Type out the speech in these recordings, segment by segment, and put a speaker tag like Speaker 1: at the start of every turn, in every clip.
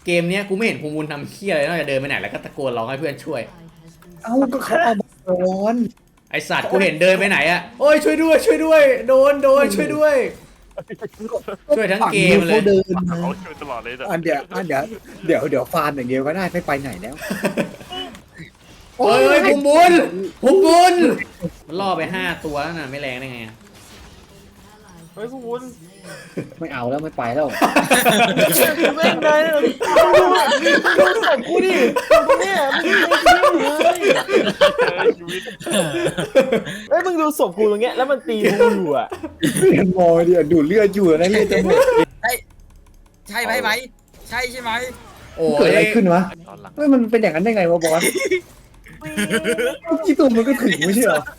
Speaker 1: เกมเนี้ยกูไม่เห็นภูมิบุญทำเหี้ยอะไรนอกจากเดินไปไหนแล้วก็ตะโกนร้องให้เพื่อนช่วย
Speaker 2: เอ้าก็เขาเอามาร้อน
Speaker 1: ไอสัตว์กูเห็นเดินไปไหนอะโอ้ยช่วยด้วยช่วยด้วยโดนช่วยด้วยช่วยทั้งเกมเลย
Speaker 2: เขาเดินมา
Speaker 3: เขาช่วยตลอดเลยนะ
Speaker 2: เดี๋ยวฟาร์มอย่างเดียวก็ได้ไม่ไปไหนแล้ว
Speaker 1: เฮ้ยภูมิบุญมันล่อไป5 ตัวแล้วน่ะไม่แรงได้ไงอะ
Speaker 3: เฮ้ยพวกคุณ
Speaker 2: ไม่เอาแล้วไม่ไปแล้ว
Speaker 4: เล่นได้ดูศพกูดิเนี่ย
Speaker 3: ชีวิต
Speaker 4: เฮ้ยมึงดูศพกูตรงเงี้ยแล้วมันตีกูอยู่อ่ะ
Speaker 2: เห็นมอยเดียวดูดเลือดอยู่นะเลือดจะหมด
Speaker 5: ใช่ไหมใช่ไหม
Speaker 1: โอ้
Speaker 2: เกิด
Speaker 1: ย
Speaker 2: อะไรขึ้นวะ
Speaker 3: ตอนหลัง
Speaker 2: เฮ้ยมันเป็นอย่างนั้นได้ไงวะบอสที่ตัวมันก็ถึงไม่ใช่เหรอ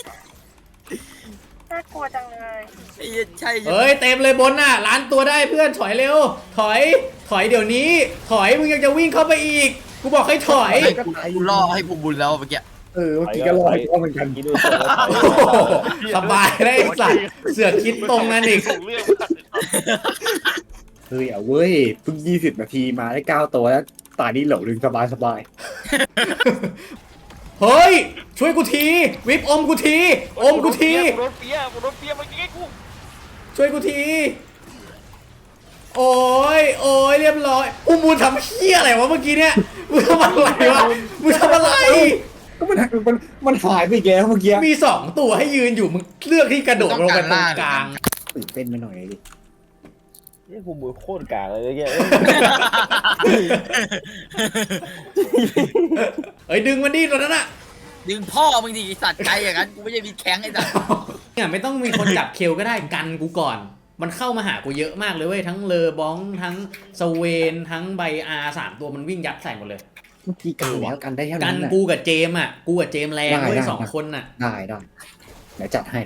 Speaker 6: น่ากลัวจังเลย
Speaker 5: ใช่
Speaker 1: เฮ้ยเต็มเลยบนน่ะล้านตัวได้เพื่อนถอยเร็วถอยเดี๋ยวนี้ถอยมึงยังจะวิ่งเข้าไปอีกกูบอกให้ถอย
Speaker 5: กูล่อให้ภูมิบุญแล้วเมื่อกี้
Speaker 2: เมื่อกี้ก็รอให้พ่อเหมือนกัน
Speaker 4: กินดูศพ
Speaker 1: โอ้โหสบายเลยไอ้สัตว์เสือกคิดตรงนั้นอีก
Speaker 3: ส่งเรื่อง
Speaker 2: เฮ้ยเอาเว้ยเพิ่ง20 นาทีมาได้9 ตัวแล้วตานี้เหล่าดึงสบาย
Speaker 1: เฮ้ยช่วยกูทีวิปอมกูทีอมกูที
Speaker 3: โดนเปียเมื่อกี้กู
Speaker 1: ช่วยกูทีโอ้ยเรียบร้อยอุ้มมูลทำเหี้ยอะไรวะเมื่อกี้เนี่ยมึงทำอะไรวะมึงทำอะไร
Speaker 2: ๆก็มันหายไปอีกแล้วเมื่อกี้
Speaker 1: มี2 ตัวให้ยืนอยู่มึงเลือกที่กระโดดลงไปตรงกลาง
Speaker 2: ตื่นเต้นไปหน่อยดิ
Speaker 4: นี่ภูมิบุญโคตรกากเลยเมื่อกี้
Speaker 1: เอ้ยดึงมันดิตอนนั้นอะ
Speaker 5: ดึงพ่อมึงดิสัตว์ใจอย่างนั้นกูไม่ใช่มีแข้งไอ้สัตว์
Speaker 1: เนี่ยไม่ต้องมีคนจับเคลก็ได้กันกูก่อน มันเข้ามาหากูเยอะมากเลยเว้ยทั้งเลอบองทั้งสเวนทั้งไบอาร์3 ตัวมันวิ่งยัดใส่หมดเลย
Speaker 2: เมื่อกี้กันแล้วกันได้เท่า
Speaker 1: กั
Speaker 2: นั้น น
Speaker 1: กูกับเจมอ่ะกูกับเจมแรงเว้ย2 คนน่ะ
Speaker 2: ได้เดี๋ยวจัดให้
Speaker 3: เรา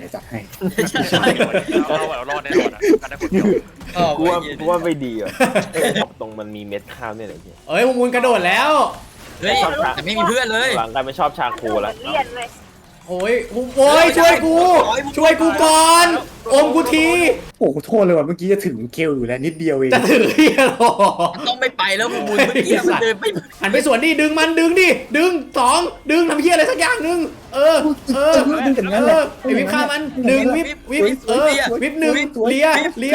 Speaker 3: รอดแน่นอนนะกันได้คนเดียว
Speaker 4: กูว่าไม่ดีอ่ะตรงมันมีเม็ดข้าวเนี่ยแหละพี่
Speaker 1: เอ้ยพวกมึงกระโดดแล้ว
Speaker 5: เฮ้ยแต่ไม่มีเพื่อนเลย
Speaker 4: หลังกลายเป็นชอบชาโคแล้ว
Speaker 6: เลียนเลย
Speaker 1: โอ้ยช่วยกูก่อนอมกูที
Speaker 2: โอ้โหโทษเลยว่ะเมื่อกี้จะถึงเคลอยู่แล้วนิดเดียวเอง
Speaker 1: จะถือเฮียหรอ
Speaker 5: มันต้องไม่ไปแล้วภูมิบุญเมื่อกี้มันเดินไป
Speaker 1: หันไปสวนดิดึงมันดึง2ดึงทำเฮียอะไรสักอย่างนึง
Speaker 2: ดึงกันงั้นแหละ
Speaker 1: ไอวิปฆ่ามันดึงวิปวิป1เลีย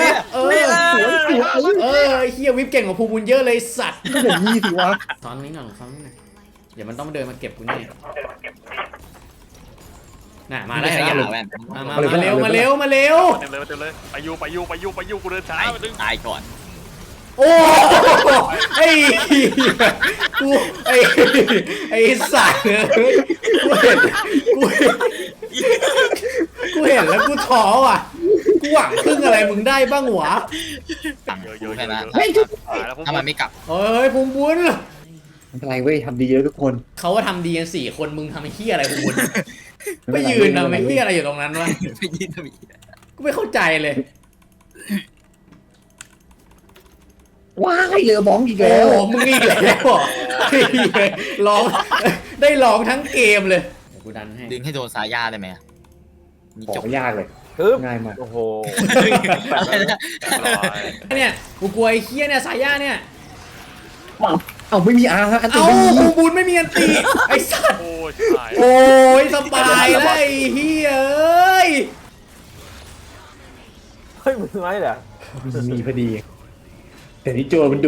Speaker 1: เฮียวิปเก่งกว่าภูมิบุญเยอะเลยสัตว์
Speaker 2: ก็อย่างนี้สิวะ
Speaker 1: ซ้อนนี้หน่อยเดี๋ยวมันต้องเดินมาเก็บกูแน่น่ะมาแล้ว
Speaker 5: ข
Speaker 1: เห็น
Speaker 5: ยับ
Speaker 1: แล้ว
Speaker 5: แว่น
Speaker 1: มาเร็ว
Speaker 3: เต็มเลยไปยูกูเดินช้าไปดึง
Speaker 5: ตายก่อน
Speaker 1: โอ้ไอ้กูไอ้สัตว์เลยกูเห็นแล้วกูท้อว่ะกูหวังพึ่งอะไรมึงได้บ้างวะ
Speaker 5: สั่งกูแค่นั้น
Speaker 3: ตายแล้วพวก
Speaker 5: ถ้ามันไม่กลับ
Speaker 1: เฮ้ยภูมิบุญ
Speaker 2: ไม่เป็นไรเว้ยทำดีเยอะทุกคน
Speaker 1: เขาว่าทำดีกัน4 คนมึงทำไอ้เหี้ยอะไรภูมิบุญไปยืนทำไอ้เหี้ยอะไรอยู่ตรงนั้นวะ
Speaker 5: ไม่ยินทำไม
Speaker 1: กูไม่เข้าใจเลย
Speaker 2: ว้ายเรือบองอีก
Speaker 1: โอ้
Speaker 2: แล้ว
Speaker 1: มึงอีกแล้วร้องได้ร้องทั้งเกมเลยกูดันให้
Speaker 5: ดึงให้โดนสายยาได้ไหมมี
Speaker 2: ขอ
Speaker 5: จบ
Speaker 2: ไม่ยากเลย
Speaker 4: ฮึบ
Speaker 2: ง่ายมาก
Speaker 4: โอ้โห
Speaker 5: อะไรนะ
Speaker 1: เนี่ยกูกลัวไอ้เหี้ยเนี่ยสายย่าเนี่ย
Speaker 2: เอาไม่มีอาร์อันตี
Speaker 1: เอ้า
Speaker 2: ไม่มี
Speaker 1: ภูมิบุญไม่มีอันตีไอ้สัตว์
Speaker 3: โอ้ยตาย
Speaker 1: โอ้ยสบายแล้วไอ้เหี้ยเอ้ย
Speaker 4: เฮ้ยมึงไม่เหรอ
Speaker 2: มีพอดี แต่นี่โจรมันดุ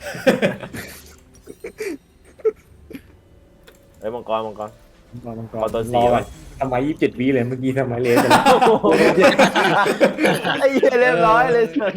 Speaker 4: เฮ้ยมังกร
Speaker 2: มังกร
Speaker 4: ขอตัวสี่
Speaker 2: รอ
Speaker 4: ไว้
Speaker 2: ทำไม27 วิเลยเมื่อกี้ทำไมเลสไปแล้ว
Speaker 4: ไอ้เหี้ยเรียบร้อยเลย